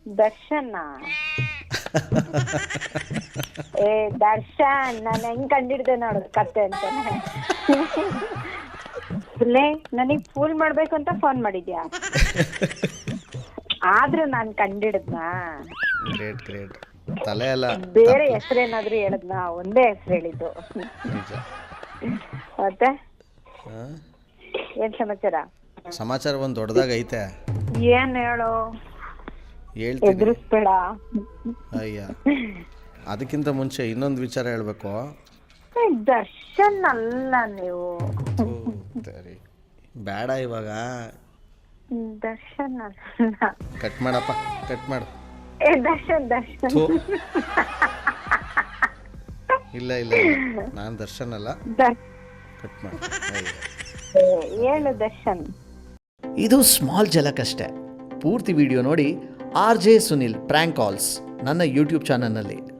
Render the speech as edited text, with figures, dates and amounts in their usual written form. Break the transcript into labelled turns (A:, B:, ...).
A: ದರ್ಶನ ದರ್ಶನ್ ನಾನು ಹೆಂಗ್ ಕಂಡಿಡ್ದೆ ನೋಡು ಕತೆ ಅಂತಾನೆ. ನನಗ್ ಫೂಲ್ ಮಾಡ್ಬೇಕು ಅಂತ ಫೋನ್ ಮಾಡಿದ್ಯಾ? ಆದ್ರೂ ನಾನ್ ಕಂಡಿಡ್ದನಾ?
B: Great great. ತಲೆ ಅಲ್ಲ,
A: ಬೇರೆ ಹೆಸರೇನಾದ್ರೂ ಹೇಳದ್ನ? ಒಂದೇ ಹೆಸರು ಹೇಳಿದ್ದು. ಮತ್ತೆ ಏನ್ ಸಮಾಚಾರ?
B: ಸಮಾಚಾರ ಒಂದ್ ದೊಡ್ಡದಾಗ ಐತೆ.
A: ಏನ್ ಹೇಳು?
B: ಹೇಳ್ತೀನಿ.
A: ಎದುರಿಸ್ಬೇಡ.
B: ಅಯ್ಯ, ಅದಕ್ಕಿಂತ ಮುಂಚೆ ಇನ್ನೊಂದು ವಿಚಾರ ಹೇಳ್ಬೇಕು.
A: ದರ್ಶನ್ ಅಲ್ಲ ನೀವು.
B: ಬೇಡ ಇವಾಗ.
A: ದರ್ಶನ್ ಅಲ್ಲ.
B: ಕಟ್ ಮಾಡಪ್ಪ, ಕಟ್ ಮಾಡು.
A: ದರ್ಶನ್ ದರ್ಶನ್
B: ಇಲ್ಲ ಇಲ್ಲ, ನಾನು ದರ್ಶನ್ ಅಲ್ಲ. ಕಟ್ ಮಾಡು.
A: ಹೇಳು ದರ್ಶನ್.
C: ಇದು ಸ್ಮಾಲ್ ಝಲಕ್ ಅಷ್ಟೇ. ಪೂರ್ತಿ ವಿಡಿಯೋ ನೋಡಿ. RJ ಸುನಿಲ್ ಪ್ರ್ಯಾಂಕ್ ಕಾಲ್ಸ್ ನನ್ನ ಯೂಟ್ಯೂಬ್ ಚಾನಲ್ನಲ್ಲಿ.